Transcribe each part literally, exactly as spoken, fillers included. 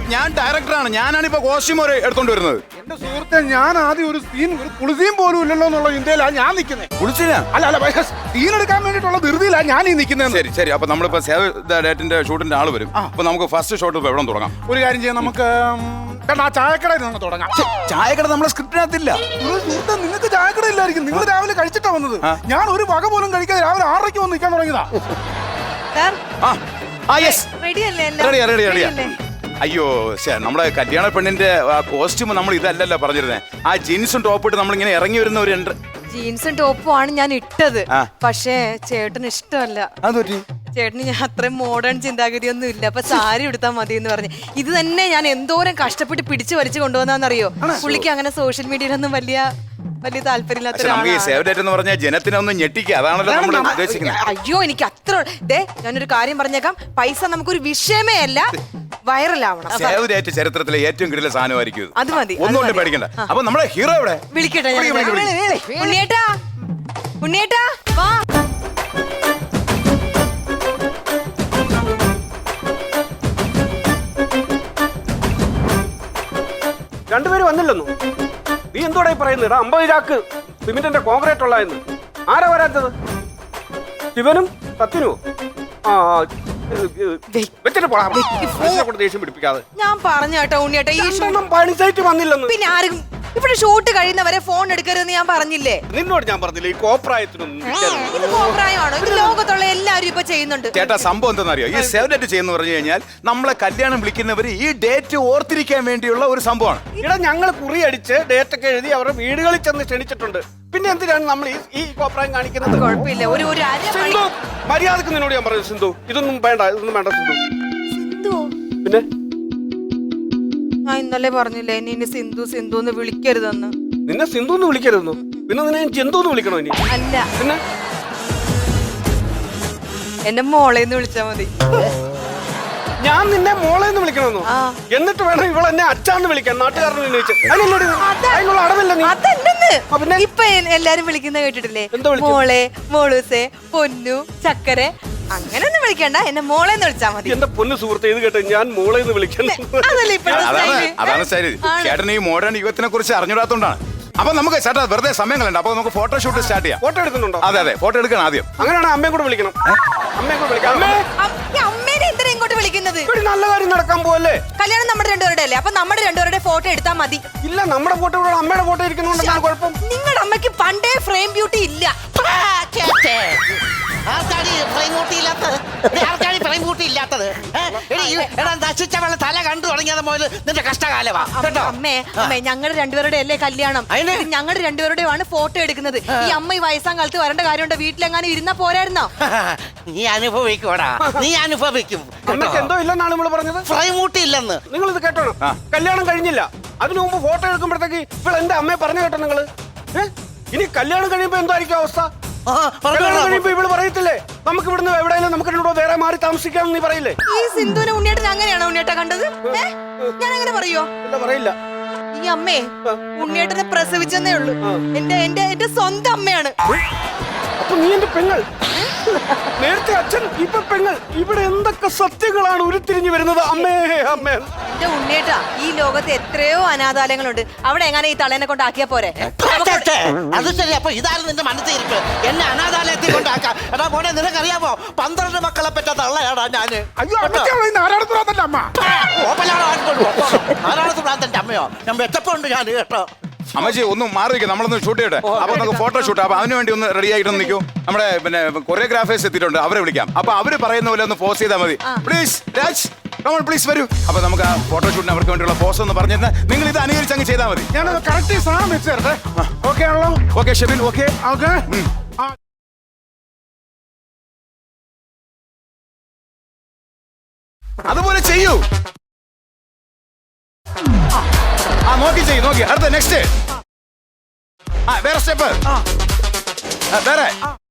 ഞാൻ ഡയറക്ടറാണ്. ഞാനാണ് ഇപ്പൊ കോസ്റ്റ്യൂം എടുത്തോണ്ട് വരുന്നത്. എന്റെ സുഹൃത്തെ, ഞാൻ ആദ്യം ഒരു സീൻ ഒരു കുളിസീൻ പോലും ഇല്ലല്ലോ എന്നുള്ള ഇന്ത്യയിലാണ് ഞാൻ നിൽക്കുന്നത്. കുളിച്ചില്ല? അല്ല അല്ല, സീൻ എടുക്കാൻ വേണ്ടിയിട്ടുള്ള ധൃതിയിലാണ് ഞാൻ ഈ നിൽക്കുന്നത്. ശരി ശരി. അപ്പൊ നമ്മളിപ്പോ സേവ് ദ ഡേറ്റിന്റെ ഷൂട്ടിന്റെ ആള് വരും. അപ്പൊ നമുക്ക് ഫസ്റ്റ് ഷോട്ട് ഇപ്പൊ എവിടെ തുടങ്ങാം? ഒരു കാര്യം ചെയ്യാം, നമുക്ക് ആ ചായക്കടയിൽ നിന്ന് തുടങ്ങാം. ചായക്കട നമ്മളെ സ്ക്രിപ്റ്റിനകത്തില്ല. സുഹൃത്തെ, നിങ്ങൾക്ക് ചായക്കട ഇല്ലായിരിക്കും. നിങ്ങൾ രാവിലെ കഴിച്ചിട്ടാ വന്നത്. ഞാൻ ഒരു വക പോലും കഴിക്കാതെ രാവിലെ ആറരയ്ക്ക് വന്ന് നിൽക്കാൻ തുടങ്ങിയതാ. അയ്യോ, നമ്മുടെ കല്യാണ പെണ്ണിന്റെ കോസ്റ്റ്യൂം നമ്മൾ ഇതല്ലല്ലോ പറഞ്ഞിരുന്നേ. ആ ജീൻസും ടോപ്പ് ഇട്ട് നമ്മളിങ്ങനെ ഇറങ്ങി വരുന്ന ഒരു ജീൻസും ടോപ്പും ആണ് ഞാൻ ഇട്ടത്. പക്ഷേ ചേട്ടന് ഇഷ്ടമല്ല. അതൊരു ചേട്ടന് ഞാൻ അത്രയും മോഡേൺ ചിന്താഗതിയൊന്നും ഇല്ല. അപ്പൊ സാരി എടുത്താൽ മതി എന്ന് പറഞ്ഞു. ഇത് തന്നെ ഞാൻ എന്തോരം കഷ്ടപ്പെട്ട് പിടിച്ചു വലിച്ചു കൊണ്ടുവന്നാന്നറിയോ? പുള്ളിക്ക് അങ്ങനെ സോഷ്യൽ മീഡിയയിലൊന്നും വലിയ വലിയ താല്പര്യമില്ലാത്ത ജനത്തിനൊന്നും ഞെട്ടിക്കുക, അതാണല്ലോ നമ്മൾ ഉദ്ദേശിക്കുന്നത്. അയ്യോ, എനിക്ക് അത്ര ദേ ഞാനൊരു കാര്യം പറഞ്ഞേക്കാം. പൈസ നമുക്കൊരു വിഷയമേ അല്ല, വൈറലാവണം. ചരിത്രത്തിലെ ഏറ്റവും കിടില സാധനമായിരിക്കും. അത് മതി, ഒന്നുകൊണ്ട് പേടിക്കണ്ട. അപ്പൊ നമ്മുടെ ഹീറോ എവിടെ? വിളിക്കട്ടെ. ഉണ്ണിയേട്ടാ, ഉണ്ണിയേട്ടാ വാ. രണ്ടുപേര് വന്നില്ലെന്നു. നീ എന്തോടെ പറയുന്നത്? അമ്പത് ചാക്ക് സിമെന്റിന്റെ കോൺക്രീറ്റ് ഉള്ളതെന്ന്. ആരാ വരാത്തത്? ശിവനും സത്യനുമോ? ആ വെച്ചിട്ട് പോടാ. ദേഷ്യം പിടിപ്പിക്കാതെ. ഞാൻ പറഞ്ഞു കേട്ടോ ഉണ്ണിയേട്ടാ, ഈ പണി സൈറ്റ് വന്നില്ലെന്ന്. പിന്നെ ആരും ഇവിടെ ഷൂട്ട് കഴിയുന്നവരെ ഫോൺ എടുക്കരുതെന്ന് ഞാൻ പറഞ്ഞില്ലേ? നിന്നോട് ഞാൻ പറഞ്ഞില്ലേ ഈ കോപ്രായത്തിനൊന്നും? ഇത് കോപ്രായമാണോ? ഇത് ലോകത്തുള്ള എല്ലാവരും ഇപ്പൊ ചെയ്യുന്നുണ്ട്. ചേട്ടാ, സംഭവം എന്താണെന്നറിയോ? ഈ സേവ് ഡേറ്റ് ചെയ്യുന്ന പറഞ്ഞു കഴിഞ്ഞാൽ നമ്മളെ കല്യാണം വിളിക്കുന്നവര് ഈ ഡേറ്റ് ഓർത്തിരിക്കാൻ വേണ്ടിയുള്ള ഒരു സംഭവമാണ്. ഇവിടെ ഞങ്ങൾ കുറി അടിച്ച് ഡേറ്റ് ഒക്കെ എഴുതി അവരുടെ വീടുകളിൽ ചെന്ന് ക്ഷണിച്ചിട്ടുണ്ട്. പിന്നെ എന്തിനാണ് നമ്മൾ ഈ കോപ്രായം കാണിക്കുന്നത്? കുഴപ്പമില്ല, ഒരു ഒരു സിന്ധു, മര്യാദക്ക് നിന്നോട് ഞാൻ പറഞ്ഞു സിന്ധു, ഇതൊന്നും വേണ്ട, ഇതൊന്നും വേണ്ട സിന്ധു. സിന്ധു പിന്നെ ഞാൻ ഇന്നലെ പറഞ്ഞില്ലേ ഇനി സിന്ധു സിന്ധു എന്ന് വിളിക്കരുതെന്ന്. നിന്നെ സിന്ധു എന്ന് വിളിക്കരുതെന്നു? പിന്നെ നിന്നെ ജന്തു എന്ന് വിളിക്കണോ ഇനി? അല്ല, പിന്നെ എന്റെ മോളേന്ന് വിളിച്ചാ മതി. ഞാൻ നിന്നെ മോളെന്ന് വിളിക്കണമെന്നോ? എന്നിട്ട് വേണം ഇവൾ എന്നെ അച്ഛാന്ന് വിളിക്കാൻ നാട്ടുകാരനെ അടവില്ല. ഇപ്പൊ എല്ലാരും വിളിക്കുന്ന കേട്ടിട്ടില്ലേ? മോളെ, മോളൂസേ, പൊന്നു, ചക്കര, അങ്ങനെ ഒന്നും വിളിക്കണ്ട, എന്നെ മോളെന്ന് വിളിച്ചാ മതി. എന്റെ പൊന്നു സുഹൃത്തെ, ഇത് കേട്ടെ, ഞാൻ മോളെന്ന് വിളിക്കാൻ. അതാണ് ശരി. ചേട്ടൻ ഈ മോഡേൺ യുഗത്തിനെ കുറിച്ച് അറിഞ്ഞൂടാത്തോണ്ടാണ്. അപ്പൊ നമുക്ക് ചേട്ടാ വെറുതെ സമയം കളയണ്ട. അപ്പൊ നമുക്ക് ഫോട്ടോഷൂട്ട് സ്റ്റാർട്ട് ചെയ്യാം. ഫോട്ടോ എടുക്കുന്നുണ്ടോ? അതെ അതെ, ഫോട്ടോ എടുക്കണം ആദ്യം. അങ്ങനെയാണ് അമ്മയെ കൂടെ വിളിക്കണം. അമ്മയെ കൂടെ വിളിക്കാം. അമ്മേനെ എന്തിനാ ഇങ്ങോട്ട് വിളിക്കുന്നത്? നല്ല കാര്യം നടക്കാൻ പോവല്ലേ? കല്യാണം നമ്മുടെ രണ്ടുപേരുടെ അല്ലേ? അപ്പൊ നമ്മുടെ രണ്ടുപേരുടെ ഫോട്ടോ എടുത്താൽ മതി. ഇല്ല, നമ്മുടെ ഫോട്ടോ അമ്മയുടെ ഫോട്ടോ ഇരിക്കുന്നുണ്ടെന്നാണ് കുഴപ്പം. നിങ്ങളുടെ അമ്മയ്ക്ക് പണ്ടേ ഫ്രെയിം ബ്യൂട്ടി ഇല്ല. തല കണ്ടു തുടങ്ങിയത് മുതൽ നിന്റെ കഷ്ടകാലമാ. അമ്മേ അമ്മേ ഞങ്ങളുടെ രണ്ടുപേരുടെ അല്ലേ കല്യാണം? ഞങ്ങളുടെ രണ്ടുപേരുടെയാണ് ഫോട്ടോ എടുക്കുന്നത്. ഈ അമ്മ ഈ വയസ്സാം കാലത്ത് വരേണ്ട കാര്യമുണ്ടോ? വീട്ടിലെങ്ങാനും ഇരുന്നാ പോരായിരുന്നോ? നീ അനുഭവിക്കൂടാ, നീ അനുഭവിക്കും. അമ്മയ്ക്ക് എന്തോ ഇല്ലെന്നാണ് നമ്മൾ പറഞ്ഞത്. ഫ്രൈമൂട്ടി ഇല്ലെന്ന് നിങ്ങൾ ഇത് കേട്ടോ. കല്യാണം കഴിഞ്ഞില്ല, അതിനു മുമ്പ് ഫോട്ടോ എടുക്കുമ്പോഴത്തേക്ക് ഇപ്പോൾ എന്റെ അമ്മയെ പറഞ്ഞു കേട്ടോ നിങ്ങള്. ഇനി കല്യാണം കഴിയുമ്പോ എന്തായിരിക്കും അവസ്ഥ? കഴിയുമ്പോ ഇവള് പറയത്തില്ലേ നമുക്ക് ഇവിടുന്ന് എവിടെയെങ്കിലും നമുക്ക് രണ്ടോ വേറെ മാറി താമസിക്കാന്ന് നീ പറയില്ലേ? ഈ സിന്ധുവിനെ ഉണ്ണിയേട്ടൻ അങ്ങനെയാണോ ഉണ്ണിയേട്ട കണ്ടത്? ഞാൻ അങ്ങനെ പറയോ? ഇല്ല, പറയില്ല. ഈ അമ്മേ ഉണ്ണിയേട്ടനെ പ്രസവിച്ചെന്നേ ഉള്ളൂ. എന്റെ എന്റെ എന്റെ സ്വന്തം അമ്മയാണ്. അപ്പൊ നീ എന്റെ പെങ്ങൾ. നേരത്തെ അച്ഛൻ, ഇപ്പൊ പെങ്ങൾ. ഇവിടെ എന്തൊക്കെ സത്യങ്ങളാണ് ഉരുത്തിരിഞ്ഞു വരുന്നത്. അമ്മേ അമ്മേ. എന്റെ ഉണ്ണിയേട്ടാ, ഈ ലോകത്ത് എത്രയോ അനാഥാലയങ്ങളുണ്ട്. അവിടെ എങ്ങനെ ഈ തളേനെ കൊണ്ടാക്കിയാ പോരെ? അത് ശരി. അപ്പൊ ഇതായിരുന്നു നിന്റെ മനസ്സിരിപ്പ്, എന്നെ അനാഥാലയത്തിൽ കൊണ്ടാക്കാം. എടാ മോനെ, നിനക്കറിയാമോ പന്ത്രണ്ട് മക്കളെ പറ്റ തള്ളയാടാ ഞാന്. നാരായണത്ത് പ്രാന്തന്റെ അമ്മയോ? ഞാൻ വെച്ചപ്പോണ്ട് ഞാൻ കേട്ടോ. അമ്മച്ചി ഒന്ന് മാറിയിരിക്കും, നമ്മളൊന്ന് ഷൂട്ട് ചെയ്യട്ടെ. അപ്പൊ നമുക്ക് ഫോട്ടോ ഷൂട്ട്. അപ്പൊ അതിനു വേണ്ടി ഒന്ന് റെഡി ആയിട്ട് നിൽക്കൂ. നമ്മുടെ പിന്നെ കൊറിയോഗ്രാഫേഴ്സ് എത്തിയിട്ടുണ്ട്, അവരെ വിളിക്കാം. അപ്പൊ അവര് പറയുന്ന പോലെ ഒന്ന് പോസ് ചെയ്താൽ മതി. പ്ലീസ് രാജ്, പ്ലീസ് വരൂ. അപ്പൊ നമുക്ക് ആ ഫോട്ടോഷൂട്ടിന് അവർക്ക് വേണ്ടിയുള്ള പോസ് ഒന്ന് പറഞ്ഞിരുന്ന നിങ്ങൾ ഇത് അനുകരിച്ച് അങ്ങ് ചെയ്താൽ മതി. ഞാൻ കറക്റ്റ് സാധനം വെച്ച് തരട്ടെ. ഓക്കെ ആണല്ലോ? Okay Shebin, okay okay. അതുപോലെ ചെയ്യൂ. ആ നോക്കി ചെയ്യൂ, നോക്കി. അടുത്ത നെക്സ്റ്റ്. ആ വേറെ സ്റ്റെപ്പ്. വേറെ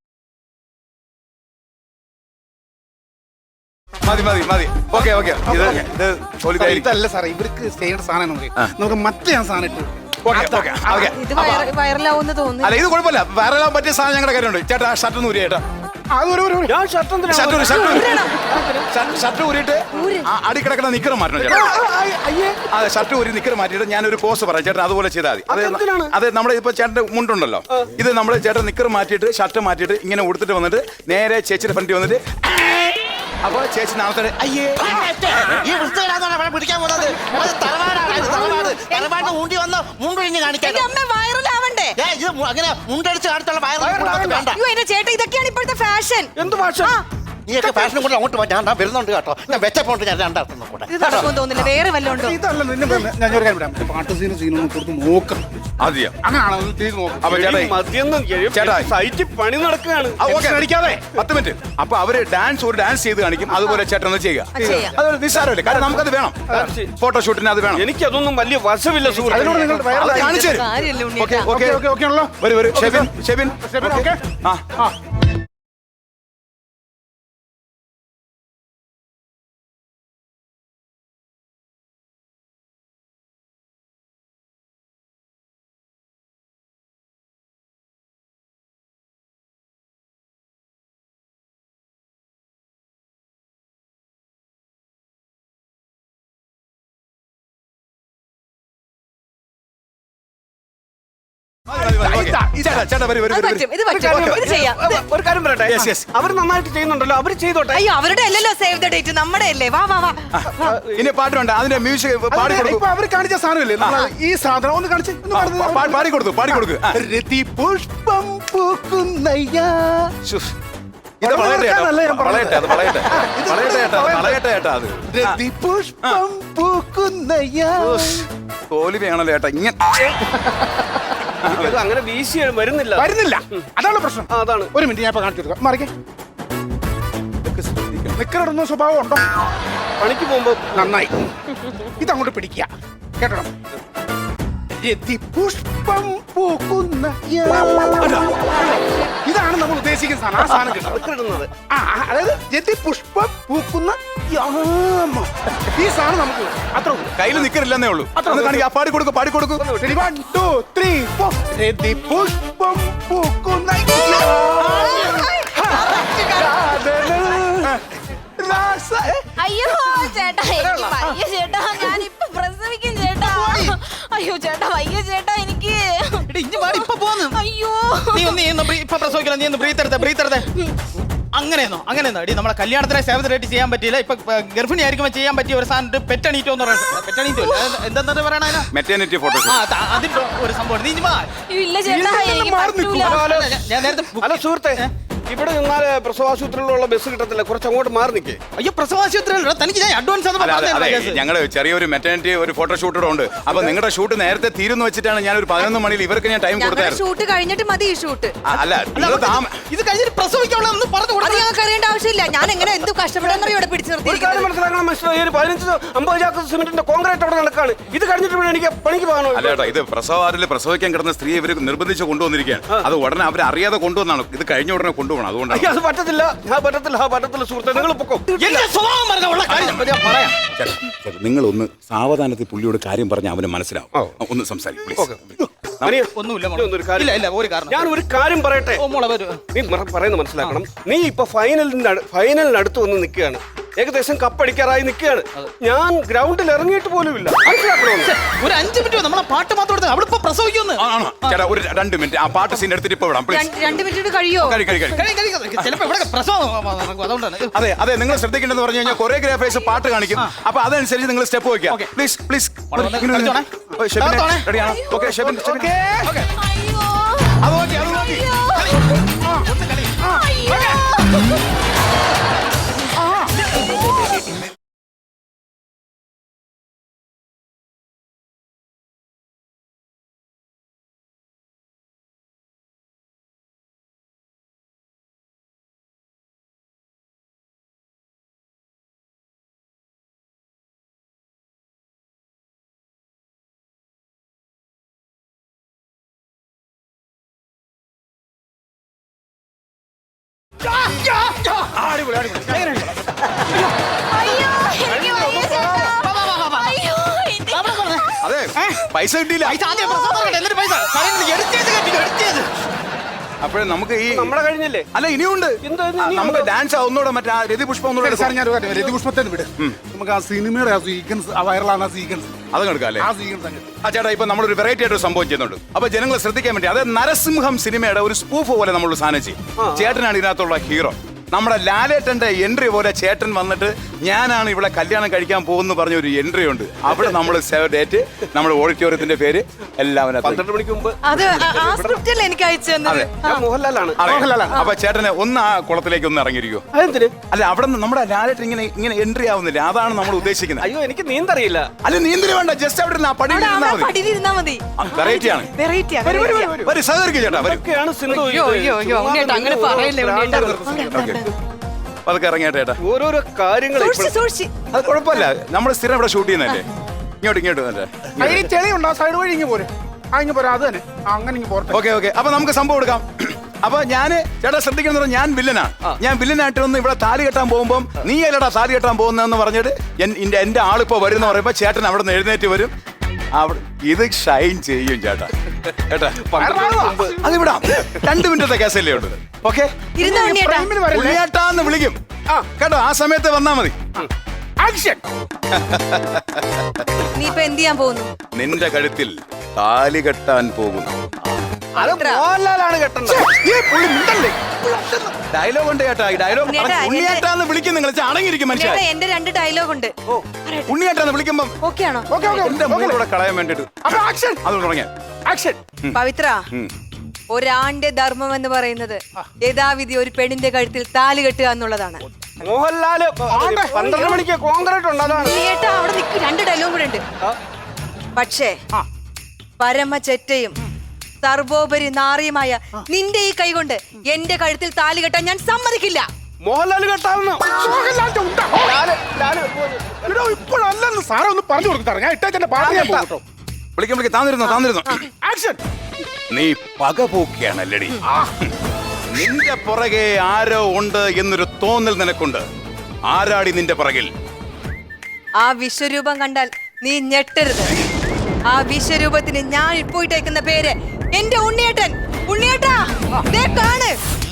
മതി മതി മതി. Okay okay. ഇത് ഇത് ഇതല്ല സാറേ, ഇവർക്ക് ചെയ്യേണ്ട സാധനം നമുക്ക് മറ്റേ ഞാൻ സാധനം ഇട്ടു. ഓക്കെ ഓക്കെ ഓക്കെ ഇത് വൈറലാവുന്ന തോന്നുന്നു. അല്ല ഇത് കുഴപ്പമില്ല വൈറലാൻ പറ്റിയ സാധനം ഞങ്ങളുടെ കാര്യമുണ്ട് ചേട്ടാ ഷർട്ട് ഒന്ന് ഊരി ചേട്ടാ അതൊരു ഒരു ഒരു- ഞാൻ ഷർട്ട് എന്തിനാ ഷർട്ട് ഊരി ഷർട്ട് ഊരി ഷർട്ട് ഷർട്ട് ഊരിയിട്ട് ആ അടി കിടക്കുന്ന നിക്കർ മാറ്റണം ചേട്ടാ അയ്യേ അതെ ഷർട്ട് ഊരി നിക്കർ മാറ്റിയിട്ട് ഞാനൊരു പോസ് പറയാം ചേട്ടൻ അതുപോലെ ചെയ്താൽ മതി അതെന്തിനാണ്? അതെ നമ്മുടെ ഇപ്പൊ ചേട്ടന്റെ മുണ്ടുണ്ടല്ലോ ഇത് നമ്മൾ ചേട്ടൻ നിക്കർ മാറ്റിയിട്ട് ഷർട്ട് മാറ്റിയിട്ട് ഇങ്ങനെ ഉടുത്തിട്ട് വന്നിട്ട് നേരെ ചേച്ചിയുടെ ഫ്രണ്ടിൽ വന്നിട്ട് അപ്പൊ ചേച്ചി നാളത്തെ അയ്യേ ഈ വൃത്തികേടാന്നാണ് അവിടെ പിടിക്കാൻ പോകുന്നത്. അത് തറവാടാണ്, ഇത് തറവാട്. തറവാടിന് ഊണ്ടി വന്ന് മുണ്ടൊഴിഞ്ഞ് കാണിക്കാൻ. എന്റെ അമ്മ വൈറലാവണ്ടേ? ഏ, ഇത് മു- അങ്ങനെ മുണ്ടടിച്ച് കാണിച്ചുള്ള വയറിൽ വേണ്ട. അയ്യോ എന്റെ ചേട്ടാ ഇതൊക്കെയാണ് ഇപ്പോഴത്തെ ഫാഷൻ. എന്ത് ഭാഷ നീയൊക്കെ ഫാഷനും കൂടെ അങ്ങോട്ട് പോ. ഞാൻ ദാ വരുന്നുണ്ട് കേട്ടോ. ഞാൻ വെച്ചപ്പോണ്ട് ഞാൻ രണ്ടാർത്തും കൂടെ. ഇത് നടക്കുമെന്ന് തോന്നുന്നില്ല. വേറെ വല്ലതും ഉണ്ടോ? ഇതല്ല നിന്നെ പറഞ്ഞെ. ഞാൻ ഒരു കാര്യം പറയാം പാട്ട് സീനും സീനൊന്നും കൊടുത്ത് നോക്കാം അതെയോ അങ്ങനെയാണോ ഒന്ന് ചെയ്ത് നോക്കാം അപ്പൊ ചേട്ടാ മദ്യം ചേട്ടാ. സൈറ്റിൽ പണി നടക്കുകയാണ് ആ, ഓക്കേ. പത്ത് മിനിറ്റ് അപ്പൊ അവര് ഡാൻസ് ഒരു ഡാൻസ് ചെയ്ത് കാണിക്കും അതുപോലെ ചേട്ടൻ ഒന്ന് ചെയ്യുക ആ, ചെയ്യാം. അതൊരു നിസ്സാരമല്ലേ കാരണം നമുക്കത് വേണം ഫോട്ടോഷൂട്ടിന് അത് വേണം എനിക്കതൊന്നും വലിയ വശമില്ല സുഹൃത്ത് അതിനോട് നിങ്ങൾ അത് വൈറലായി കാണിച്ചു തരും കാര്യമല്ലേ ഓക്കെ ഉണ്ണിയേട്ടാ? ഓക്കെ ഓക്കെ ഓക്കെ ആണല്ലോ വരൂ വരൂ ഷെബിൻ ഷെബിൻ ഷെബിൻ, ഓക്കേ. ആ ആ മതി, മതി, മതി, ഓക്കേ. ചേട്ടാ ചേട്ടാ വരൂ വരൂ അത് വരൂ പറ്റും. ഇത് പറ്റും. ഇത് ചെയ്യാം. ഇത് ഒരു കാര്യം പറയട്ടെ Yes, yes. അവർ നന്നായിട്ട് ചെയ്യുന്നുണ്ടല്ലോ അവർ ചെയ്തോട്ടെ അയ്യോ അവരുടെ അല്ലല്ലോ സേവ് ദ ഡേറ്റ് നമ്മുടെ അല്ലേ. വാ വാ വാ. ഇനി പാട്ടുണ്ട് അതിന്റെ മ്യൂസിക് പാടി അതെ, കൊടുക്കും ഇപ്പൊ അവര് കാണിച്ച സാധനമില്ലേ നമ്മള് ഈ സാധനം ഒന്ന് കാണിച്ച് ഒന്ന് കാണിച്ച് പാടി കൊടുത്തു പാടി കൊടുക്ക് ആ. രതി പുഷ്പം പൂക്കുന്നയ്യാ ശ്ശോ. ഇത് വളയട്ടെ ചേട്ടാ വളർത്താനല്ല ഞാൻ പറഞ്ഞത്. വളയട്ടെ അത് വളയട്ടെ വളയട്ടെ ചേട്ടാ അത് വളയട്ടെ ചേട്ടാ അത് രതി പുഷ്പം പൂക്കുന്നയ്യാ തോൽവിയാണല്ലോ ചേട്ടാ ഇങ്ങനെ ഇത് അങ്ങനെ വീശി വരുന്നില്ല വരുന്നില്ല അതാണ് പ്രശ്നം ആ, അതാണ് ഒരു മിനിറ്റ് ഞാൻ ഇപ്പൊ കാണിച്ചു കൊടുക്കാം മറിക്കേ നിക്കറിടുന്ന സ്വഭാവം ഉണ്ടോ പണിക്ക് പോകുമ്പോ നന്നായി ഇതങ്ങോട്ട് പിടിക്കുക കേട്ടോ രതി പുഷ്പം പൂക്കുന്ന ഇതാണ് നമ്മൾ ഉദ്ദേശിക്കുന്ന സാധനം ആ സാധനം കിട്ടും ഇടുന്നത് ആ ആ, അതായത് രതി പുഷ്പം പൂക്കുന്ന യാമ. ഈ സാധനം നമുക്ക് വേണം. അത്ര ഉള്ളൂ. കയ്യിൽ നിക്കറില്ലെന്നേ ഉള്ളൂ ഒന്ന് കാണിക്കാം പാടി കൊടുക്കും പാടി കൊടുക്കും Ready? One, two, three, four. രതി പുഷ്പം പൂക്കുന്ന രാസ- ഏ? അയ്യോ ചേട്ടാ എനിക്ക് വയ്യ ചേട്ടാ ഞാൻ ഇപ്പൊ പ്രസവിക്കും ചേട്ടാ അയ്യോ ചേട്ടാ വയ്യ ചേട്ടാ എനിക്ക് അയ്യോ നീ ഒന്ന് നീ ഒന്ന് ബ്രീ- ഇപ്പൊ പ്രസവിക്കണം നീ ഒന്ന് ബ്രീത്ത് എടുത്തേ ബ്രീത്ത് എടുത്തേ അങ്ങനെയെന്നോ അങ്ങനെയെന്നോ അടി നമ്മളെ കല്യാണത്തിനെ സേവനമായിട്ട് ചെയ്യാൻ പറ്റിയില്ല ഇപ്പൊ ഗർഭിണി ആയിരിക്കുമ്പോൾ ചെയ്യാൻ പറ്റിയ ഒരു സാധനം പെറ്റണീറ്റോ എന്ന് പറയുന്നത് പെറ്റണീറ്റോ എന്താ പറയണ അതിനാ? മെറ്റേണിറ്റി ഫോട്ടോ ആ ത- അതിന്റെ ഒരു സംഭവം നീ ഇഞ്ഞി വാ. അയ്യോ, ഇല്ല ചേട്ടാ എനിക്ക് പറ്റൂല അല്ല, ഞാൻ- ഞാൻ നേരത്തെ ബുക്ക് അല്ല സുഹൃത്തെ ഇവിടെ നിന്നാല് പ്രസവാശുപത്രിയിലുള്ള ബസ് കിട്ടത്തില്ല കുറച്ച് അങ്ങോട്ട് മാറി നിൽക്കേ അയ്യോ പ്രസവാശുപത്രിയിലോ തനിക്ക് ഞാൻ അഡ്വാൻസ് അല്ല അതെ അതെ ഞങ്ങള് ചെറിയൊരു മെറ്റേണിറ്റി ഒരു ഫോട്ടോ ഷൂട്ട് ഉണ്ട് അപ്പൊ നിങ്ങളുടെ ഷൂട്ട് നേരത്തെ തീരുന്നു വെച്ചിട്ടാണ് ഞാൻ ഒരു പതിനൊന്ന് മണിയിൽ ഇവർക്ക് ഞാൻ ടൈം ഞങ്ങളുടെ കൊടുത്തായിരുന്നു ഷൂട്ട് കഴിഞ്ഞിട്ട് മതി ഈ ഷൂട്ട്. ആ, അല്ല നിങ്ങൾ താമ ഇത് കഴിഞ്ഞിട്ട് പ്രസവിക്കാനുള്ള ഒന്ന് പറഞ്ഞു അത് കൊടുത്തു ഞങ്ങൾക്ക് അറിയേണ്ട ആവശ്യമില്ല. ഞാൻ എങ്ങനെ എന്ത് കഷ്ടപ്പെടാന്നറിയോ ഇവിടെ പിടിച്ചു ഒരു കാര്യം നിർത്തിയിരിക്കുന്നത്. മനസ്സിലാക്കണം മിസ്റ്റർ ഈ ഒരു പതിനഞ്ച് അമ്പത് ചാക്ക് സിമെന്റിന്റെ കോൺക്രീറ്റ് അവിടെ നടക്കാണ് ഇത് കഴിഞ്ഞിട്ട് വേണം എനിക്ക് പണിക്ക് പോകാനോ അല്ല ചേട്ടാ ഇത് പ്രസവാറിൽ പ്രസവിക്കാൻ കിടന്ന സ്ത്രീ ഇവർ നിർബന്ധിച്ച് കൊണ്ടുവന്നിരിക്കുകയാണ് അത് ഉടനെ അവർ അറിയാതെ കൊണ്ടുവന്നാണ് ഇത് കഴിഞ്ഞ ഉടനെ കൊണ്ടുപോകണം അതുകൊണ്ടാണ് അയ്യോ, അത് പറ്റത്തില്ല ആ പറ്റത്തില്ല ആ പറ്റത്തില്ല സുഹൃത്തെ നിങ്ങൾ പൊക്കോ എന്റെ സ്വഭാവം പറഞ്ഞ ഉള്ള കാര്യം ഞാൻ പറയാം നിങ്ങൾ ഒന്ന് സാവധാനത്തിൽ പുള്ളിയോട് കാര്യം പറഞ്ഞ അവന് മനസ്സിലാവും ഒന്ന് സംസാരിക്കും അനിയ, ഒന്നുമില്ല ഇനി ഒന്നൊരു കാര്യം- ഇല്ല ഇല്ല ഒരു കാരണം ഞാൻ ഒരു കാര്യം പറയട്ടെ ഓ മോളെ വരൂ നീ മറ- പറയുന്നത് മനസ്സിലാക്കണം നീ ഇപ്പൊ ഫൈനലിന്റെ അട്- ഫൈനലിനടുത്ത് വന്ന് നിൽക്കുകയാണ് ഏകദേശം കപ്പടിക്കാറായി നിൽക്കുകയാണ് ഞാൻ ഗ്രൗണ്ടിൽ ഇറങ്ങിയിട്ട് പോലും ഇല്ല മനസ്സിലാക്കണോ ഒരു അഞ്ചു മിനിറ്റ് നമ്മളെ പാട്ട് മാത്രം എടുത്ത് അവിടെ ഇപ്പൊ പ്രസവിക്കുന്നു ആണോ ചേട്ടാ ഒരു രണ്ട് മിനിറ്റ് ആ പാട്ട് സീൻ എടുത്തിട്ട് ഇപ്പൊ വിടാം പ്ലീസ് രണ്ട് രണ്ട് മിനിറ്റ് കഴിയോ? കഴി കഴി കഴി കഴി- കഴി- കഴി- ചിലപ്പോ ഇവിടെ പ്രസവം നടക്കും അതുകൊണ്ടാണ് അതെ അതെ നിങ്ങൾ ശ്രദ്ധിക്കേണ്ടതെന്ന് പറഞ്ഞു കഴിഞ്ഞാൽ കൊറിയോഗ്രാഫേഴ്സ് പാട്ട് കാണിക്കും അപ്പൊ അതനുസരിച്ച് നിങ്ങൾ സ്റ്റെപ്പ് വെക്കുക പ്ലീസ് പ്ലീസ് കളിച്ചോണേ. കളിച്ചോണേ. റെഡിയാണോ ഓക്കെ ഷെബിൻ ഷെബിൻ അയ്യോ അത് നോക്കി അത് നോക്കി അയ്യോ അയ്യോ എനിക്ക് വയ്യ ചേട്ടാ അയ്യോ എനിക്ക് അതെ പൈസ കിട്ടിയില്ല. പൈസ ആദ്യം പ്രസവം നടക്കട്ടെ, എന്നിട്ട് പൈസ. സാറേ, edit ചെയ്ത് കേട്ടോ, edit ചെയ്ത്. അപ്പോഴേ നമുക്ക് ഈ നമ്മളെ കഴിഞ്ഞില്ലേ? അല്ല ഇനിയുണ്ട്. എന്താ ഇത് ആ, ഇനിയുണ്ട്? നമുക്ക് ഡാൻസ് ഒന്നുകൂടെ മറ്റേ ആ രതി പുഷ്പം ഒന്നുകൂടെ സാർ ഞാൻ രതിപുഷ്പത്തെ വിട്. നമുക്ക് ആ സിനിമയുടെ ആ സീക്വൻസ് ആ വൈറലാണ് ആ സീക്വൻസ് അതങ്ങ് എടുക്കാം അല്ലേ? ആ സീക്വൻസ് അങ്ങ് ആ ചേട്ടാ, ഇപ്പൊ നമ്മളൊരു വെറൈറ്റി ആയിട്ട് ഒരു സംഭവം ചെയ്യുന്നുണ്ട്. അപ്പൊ ജനങ്ങൾ ശ്രദ്ധിക്കാൻ വേണ്ടി, അതായത് നരസിംഹം സിനിമയുടെ ഒരു സ്പൂഫ് പോലെ നമ്മൾ സാധനം ചെയ്യും. ചേട്ടനാണ് ഇതിനകത്തുള്ള ഹീറോ. നമ്മുടെ ലാലേട്ടന്റെ എൻട്രി പോലെ ചേട്ടൻ വന്നിട്ട് ഞാനാണ് ഇവിടെ കല്യാണം കഴിക്കാൻ പോകുന്നു പറഞ്ഞ ഒരു എൻട്രി ഉണ്ട്. അവിടെ നമ്മൾ സേവ് ഡേറ്റ്, നമ്മുടെ ഓഡിറ്റോറിയത്തിന്റെ പേര് എല്ലാവരും പന്ത്രണ്ട് മണിക്ക് മുമ്പ് അത് ആ- ആ സ്ക്രിപ്റ്റല്ലേ എനിക്ക് അയച്ചു തന്നത്. അതെ. ഞാൻ മോഹൻലാലാണ്. അപ്പൊ ചേട്ടനെ ഒന്ന് ആ കുളത്തിലേക്ക് ഒന്ന് ഇറങ്ങിയിരിക്കോ. അതെന്തിന്? അല്ല, അവിടെ നിന്ന് നമ്മുടെ ലാലേട്ടൻ ഇങ്ങനെ ഇങ്ങനെ എൻട്രി ആവുന്നില്ല, അതാണ് നമ്മൾ ഉദ്ദേശിക്കുന്നത്. അയ്യോ എനിക്ക് നീന്തറിയില്ല. അല്ല, നീന്തിന് വേണ്ട, ജസ്റ്റ് അവിടെ ഇരുന്ന് ആ പടി അവിടെ ഇരുന്നാ അവിടെ മതി. പടിയിലിരുന്നാ മതി. വെറൈറ്റി ആണ്. വെറൈറ്റി ഒരു സഹകരിക്കും ചേട്ടാ, വരും. ഇതൊക്കെയാണ് സിന്ധു. അയ്യോ, ഇത്. അയ്യോ, അയ്യോ, ഉണ്ണിയേട്ടാ, അങ്ങനെ ചുമ്മാ പറയല്ലേ, നിങ്ങൾ ഉണ്ണിയേട്ടാ. ഭ്രാന്താണ്. അതൊക്കെ ഇറങ്ങിയേട്ടാ ചേട്ടാ. ഓരോരോ കാര്യങ്ങൾ സൂക്ഷിച്ച് സൂക്ഷിച്ച്. അത് കുഴപ്പമില്ല, നമ്മൾ സ്ഥിരം ഇവിടെ ഷൂട്ട് ചെയ്യുന്നല്ലേ. ഇങ്ങോട്ട് ഇങ്ങോട്ട് വന്നേ. അതിന് ചെളി ഉണ്ടോ സൈഡ് വഴി ഇങ്ങ് പോരെ. ആ ഇങ്ങ് പോരാ, അത് തന്നെ ആ, അങ്ങനെ ഇങ്ങ് പോരട്ടെ. ഓക്കെ ഓക്കെ അപ്പൊ നമുക്ക് സംഭവം എടുക്കാം. അപ്പൊ ഞാന് ചേട്ടാ ശ്രദ്ധിക്കണം, പറഞ്ഞാൽ ഞാൻ വില്ലനാണ്. ഞാൻ വില്ലനായിട്ട് വന്ന് ഇവിടെ താലി കെട്ടാൻ പോകുമ്പോൾ നീ അല്ലടാ താലി കെട്ടാൻ പോകുന്നതെന്ന് പറഞ്ഞിട്ട് എൻ- എന്റെ എന്റെ ആളിപ്പോ വരുന്ന പറയുമ്പോ ചേട്ടൻ അവിടെ നിന്ന് എഴുന്നേറ്റ് വരും. അവിടെ ഇത് ഷൈൻ ചെയ്യും ചേട്ടാ. കേട്ടാ, അത് വിടാം. രണ്ട് മിനിറ്റത്തെ കേസല്ലേ ഉണ്ട്. ഓക്കെ, ഇരുന്നോ ഉണ്ണിയേട്ടാ. ഫ്രെയിമിൽ വരല്ലേ? ഉണ്ണിയേട്ടാന്ന് വിളിക്കും. ആ കേട്ടോ, ആ സമയത്ത് വന്നാ മതി. ആക്ഷൻ. നീ ഇപ്പൊ എന്ത് ചെയ്യാൻ പോകുന്നു? നിന്റെ കഴുത്തിൽ താലി കെട്ടാൻ പോകുന്നു. അത് മോഹൻലാലാണ് കെട്ടേണ്ടത്. ഈ പുള്ളി മിണ്ടല്ലേ? ഡയലോഗ് ഉണ്ട് ചേട്ടാ. ഈ ഡയലോഗ് ഉണ്ണിയേട്ടാ, ഉണ്ണിയേട്ടാന്ന് വിളിക്കും. നിങ്ങൾ അടങ്ങിയിരിക്കും മനുഷ്യ. ഉണ്ണിയേട്ടാ, എന്റെ രണ്ട് ഡയലോഗ് ഉണ്ട്. ഉണ്ണിയേട്ടാന്ന് വിളിക്കുമ്പം ഓക്കെ ആണോ? ഓക്കെ ഓക്കെ എന്റെ മൂടെ കളയാൻ വേണ്ടിട്ട് അപ്പൊ ആക്ഷൻ അത് തുടങ്ങിയ ആക്ഷൻ. പവിത്ര, ഒരാന്റെ ധർമ്മം എന്ന് പറയുന്നത് യഥാവിധി ഒരു പെണ്ണിന്റെ കഴുത്തിൽ താലി കെട്ടുക എന്നുള്ളതാണ്. മോഹൻലാല് പന്ത്രണ്ട് മണിക്ക് കോൺക്രീറ്റ് ഉണ്ട്. അതാണ് ഉണ്ണിയേട്ടാ, അവിടെ നിൽക്കും, രണ്ട് ഡയലോഗ് കൂടെ ഉണ്ട്. പക്ഷേ പരമചെറ്റയും സർവോപരി നാറിയുമായ നിന്റെ ഈ കൈകൊണ്ട് എന്റെ കഴുത്തിൽ താലി കെട്ടാൻ ഞാൻ സമ്മതിക്കില്ല. മോഹൻലാല് കെട്ടാവുന്ന മോഹൻലാലിന്റെ ഉണ്ട. എടോ, ഇപ്പോഴല്ലെന്ന് സാറേ ഒന്ന് പറഞ്ഞു കൊടുത്താറ്. ഞാൻ ഇട്ടേച്ചന്റെ പാട്ട് ഞാൻ പോകും കേട്ടോ. വിളിക്കാൻ വിളിക്കാൻ താന്നിരുന്നു താന്നിരുന്നു ആക്ഷൻ. നീ പക പോക്കിയാണല്ലടി. നിന്റെ പുറകെ ആരോ ഉണ്ട് എന്നൊരു തോന്നൽ നിനക്കുണ്ട്. ആരാടി നിന്റെ പുറകിൽ? ആ വിശ്വരൂപം കണ്ടാൽ നീ ഞെട്ടരുത്. ആ വിശ്വരൂപത്തിന് ഞാൻ ഇപ്പോൾ ഇട്ടേക്കുന്ന പേര് എന്റെ ഉണ്ണിയേട്ടൻ. ഉണ്ണിയേട്ടാ, ദേ കാണ്.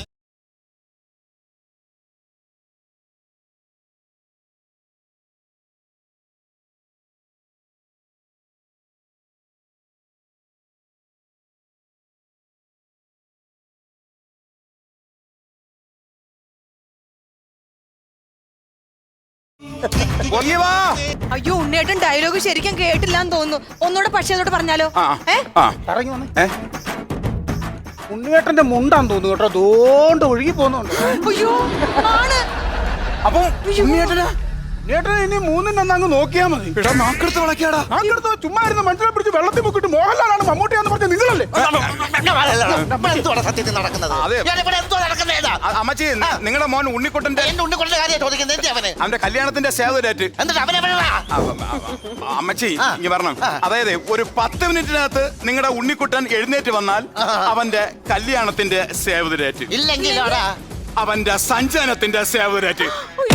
പൊങ്ങി വാ. അയ്യോ, ഉണ്ണിയേട്ടൻ ഡയലോഗ് ശരിക്കും കേട്ടില്ലാന്ന് തോന്നുന്നു. ഒന്നുകൂടെ പക്ഷേ അതോട് പറഞ്ഞാലോ? ആ, ഏ ആ. ഇറങ്ങി വന്നേ. ഏ? ഉണ്ണിയേട്ടന്റെ മുണ്ടാന്ന് തോന്നുന്നു കേട്ടോ. ദോണ്ട് ഒഴുകി പോകുന്നുണ്ട്. അയ്യോ, ആണ്. അപ്പം ഉണ്ണിയേട്ടനാ? ഉണ്ണിയേട്ടൻ ഇനി മൂന്നിനൊന്ന് അങ്ങ് നോക്കിയാ മതി. എടാ, നാക്കെടുത്ത് വിളക്കിയാടാ. നാക്കെടുത്ത് ചുമ്മാ ഇരുന്ന് മനസ്സിലെ പിടിച്ച് വെള്ളത്തിൽ മുക്കിട്ട് മോഹൻലാലാണ് മമ്മൂട്ടിയാന്ന് പറഞ്ഞ നിങ്ങളല്ലേ? എന്തുവാണ് സത്യത്തിൽ നടക്കുന്നത്? അതെ. ഞാനിവിടെ എന്തോ നടക്കുന്നേതാ? അ- അമ്മച്ചി, നിങ്ങളുടെ മോൻ ഉണ്ണിക്കുട്ടന്റെ എന്റെ ഉണ്ണിക്കൊണ്ട കാര്യം ചോദിക്കുന്നത് എന്തി അവന്? അവന്റെ കല്യാണത്തിന്റെ സേവ് ഡേറ്റ്. എന്നിട്ട് അവനെവിടെയാ? അമ്മച്ചി ഇനി പറഞ്ഞു, അതായത് ഒരു പത്ത് മിനിറ്റിനകത്ത് നിങ്ങളുടെ ഉണ്ണിക്കുട്ടൻ എഴുന്നേറ്റ് വന്നാൽ അവന്റെ കല്യാണത്തിന്റെ സേവ് ഡേറ്റ്, ഇല്ലെങ്കിൽ അവിടെ അവന്റെ സഞ്ചയനത്തിന്റെ സേവ് ഡേറ്റ്.